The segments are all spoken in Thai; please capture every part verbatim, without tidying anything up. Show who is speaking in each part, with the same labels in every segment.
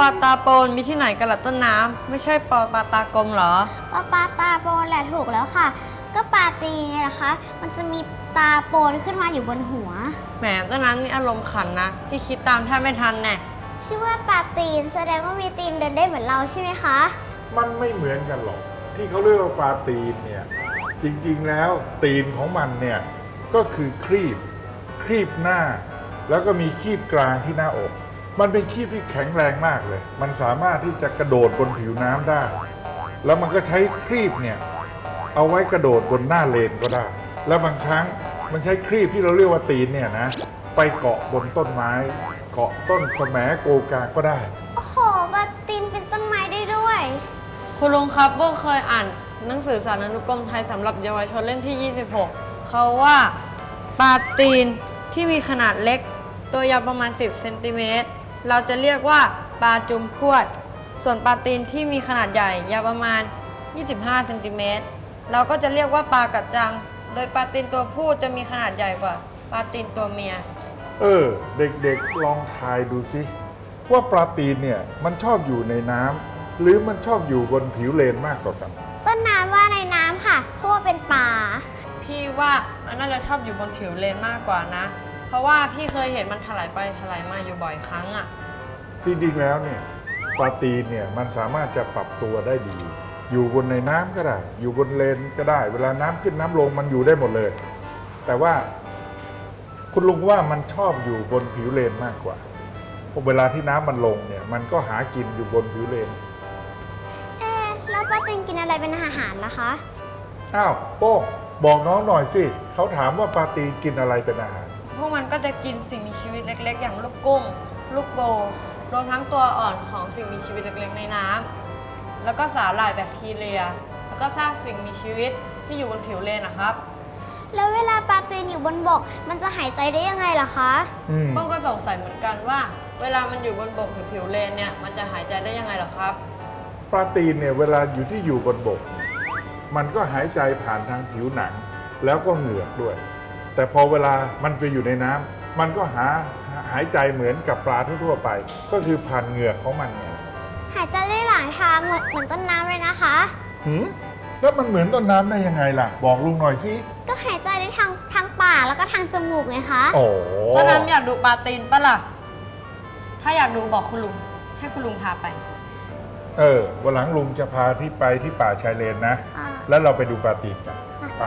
Speaker 1: ปลาตาโปนมีที่ไหนกันล่ะต้นน้ำไม่ใช่ปอปลาตากลมเหรอ
Speaker 2: ปลาปลาตาโปนแหละถูกแล้วค่ะก็ปลาตีไงล่ะคะมันจะมีตาโปนขึ้นมาอยู่บนหัว
Speaker 1: แหมต้นน้ำนี่อารมณ์ขันนะพี่คิดตามแทบไม่ทันแน่
Speaker 2: ชื่อว่าปลาตีนแสดงว่ามีตีนเดินได้เหมือนเราใช่ไหมคะ
Speaker 3: มันไม่เหมือนกันหรอกที่เขาเรียกว่าปลาตีนเนี่ยจริงๆแล้วตีนของมันเนี่ยก็คือครีบครีบหน้าแล้วก็มีครีบกลางที่หน้าอกมันเป็นครีบที่แข็งแรงมากเลยมันสามารถที่จะกระโดดบนผิวน้ำได้แล้วมันก็ใช้ครีบเนี่ยเอาไว้กระโดดบนหน้าเลนก็ได้แล้วบางครั้งมันใช้ครีบที่เราเรียกว่าตีนเนี่ยนะไปเกาะบนต้นไม้เกาะต้นแสมโกกาก็ได้
Speaker 2: โอ้โหปลาตีนเป็นต้นไม้ได้ด้วย
Speaker 1: คุณลุงครับโบเคยอ่านหนังสือสารานุกรมไทยสำหรับเยาวชนเล่มที่ยี่สิบหกเขาว่าปลาตีนที่มีขนาดเล็กตัวยาวประมาณสิบเซนติเมตรเราจะเรียกว่าปลาจุมพวดส่วนปลาตีนที่มีขนาดใหญ่ยาวประมาณยี่สิบห้าเซนติเมตรเราก็จะเรียกว่าปลากัดจังโดยปลาตีนตัวผู้จะมีขนาดใหญ่กว่าปลาตีนตัวเมีย
Speaker 3: เออเด็กๆลองทายดูสิว่าปลาตีนเนี่ยมันชอบอยู่ในน้ำหรือมันชอบอยู่บนผิวเลนมากกว่ากัน
Speaker 2: ต้นน้ำว่าในน้ำค่ะเพราะว่าเป็นปลา
Speaker 1: พี่ว่ามันน่าจะชอบอยู่บนผิวเลนมากกว่านะเพราะว่าพี่เคยเห็นมันถลายไปถลายมาอยู่บ่อยครั้งอ่ะ
Speaker 3: จริงๆแล้วเนี่ยปลาตีนเนี่ยมันสามารถจะปรับตัวได้ดีอยู่บนในน้ำก็ได้อยู่บนเลนก็ได้เวลาน้ำขึ้นน้ำลงมันอยู่ได้หมดเลยแต่ว่าคุณลุงว่ามันชอบอยู่บนผิวเลนมากกว่าพอเวลาที่น้ำมันลงเนี่ยมันก็หากินอยู่บนผิวเลน
Speaker 2: เอ๊ะแล้วปลาตีนกินอะไรเป็นอาหารล่ะคะ
Speaker 3: อ้าวโป้งบอกน้องหน่อยสิเขาถามว่าปลาตีนกินอะไรเป็นอาหาร
Speaker 1: พวกมันก็จะกินสิ่งมีชีวิตเล็กๆอย่างลูกกุ้งลูกโบรวมทั้งตัวอ่อนของสิ่งมีชีวิตเล็กๆในน้ำแล้วก็สาหร่ายแบคทีเรียแล้วก็ซากสิ่งมีชีวิตที่อยู่บนผิวเลนนะครับ
Speaker 2: แล้วเวลาปลาตีนอยู่บนบกมันจะหายใจได้ยังไงล่ะคะ
Speaker 1: พวกก็สงสัยเหมือนกันว่าเวลามันอยู่บนบกหรือผิวเลนเนี่ยมันจะหายใจได้ยังไงล่ะครับ
Speaker 3: ปลาตีนเนี่ยเวลาอยู่ที่อยู่บนบกมันก็หายใจผ่านทางผิวหนังแล้วก็เหงือกด้วยแต่พอเวลามันไปอยู่ในน้ำมันก็หาหายใจเหมือนกับปลาทั่วๆไปก็คือผ่านเหงือกของมันไง
Speaker 2: หายใจได้หลายทางเหมือนเหมือนต้นน้ำเลยนะคะ
Speaker 3: หืมแล้วมันเหมือนต้นน้ำได้ยังไงล่ะบอกลุงหน่อยสิ
Speaker 2: ก็หายใจได้ทางทางปากแล้วก็ทางจมูกไงคะ
Speaker 3: โอ้
Speaker 1: ต้นน้ำอยากดูปลาตีนปะล่ะถ้าอยากดูบอกคุณลุงให้คุณลุงพาไป
Speaker 3: เออวันหลังลุงจะพาที่ไปที่ป่าชายเลนนะแล้วเราไปดูปลาตีนกันไป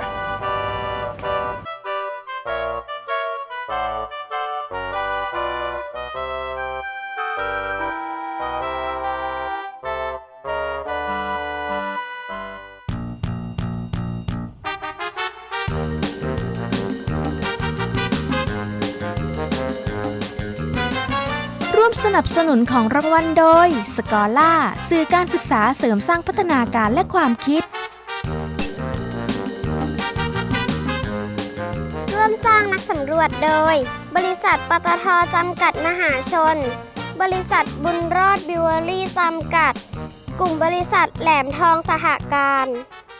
Speaker 4: ร่วมสนับสนุนของรางวัลโดยสกอล่าสื่อการศึกษาเสริมสร้างพัฒนาการและความคิด
Speaker 2: ร่วมสร้างนักสำรวจโดยบริษัทปตท.จำกัดมหาชนบริษัทบุญรอดบิวเวอรี่จำกัดกลุ่มบริษัทแหลมทองสหการ